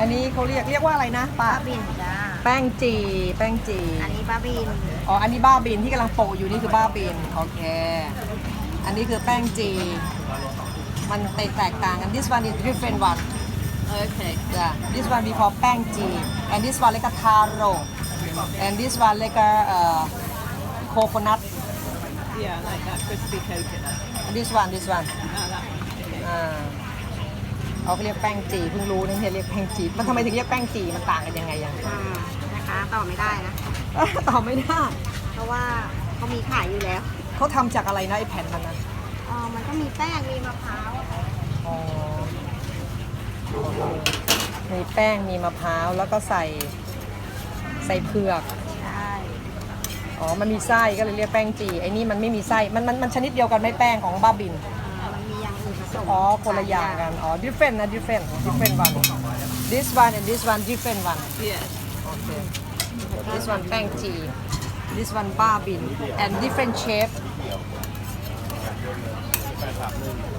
อันนี้เขาเรียกว่าอะไรนะป้าบ้าบินจ้าแป้งจีแป้งจีอันนี้บ้าบินอ๋ออันนี้บ้าบินที่กำลังโปะอยู่นี่คือบ้าบินโอเคอันนี้คือแป้งจีมันแตกต่างกัน this one is different one okay yeah this one we call แป้งจี and this one like a taro and this one like a coconut Yeah, like that crispy coconut. this one That. อ่าเขาเรียกแป้งจีเพิ่งรู้นะเรียกแป้งจีมันทำไมถึงเรียกแป้งจีมันต่างกันยังไงยังนะคะต่อไม่ได้นะตอบไม่ได้เพราะว่าเขามีขายอยู่แล้วเขาทำจากอะไรนะไอแผ่นมันนะมันก็มีแป้ง มีมะพร้าวอ๋อโอเคมีแป้งมีมะพร้าวแล้วก็ใส่เผือกใช่อ๋อมันมีไส้ก็เลยเรียกแป้งจีไอ้นี่มันไม่มีไส้มันชนิดเดียวกันไหม่แป้งของบ้าบินมันมีอย่างอื่นผสมอ๋อคนละอย่างกันอ๋อ different นะ different one this one and this one different one Yes. okay this one แป้งจี this one บ้าบิน and different shape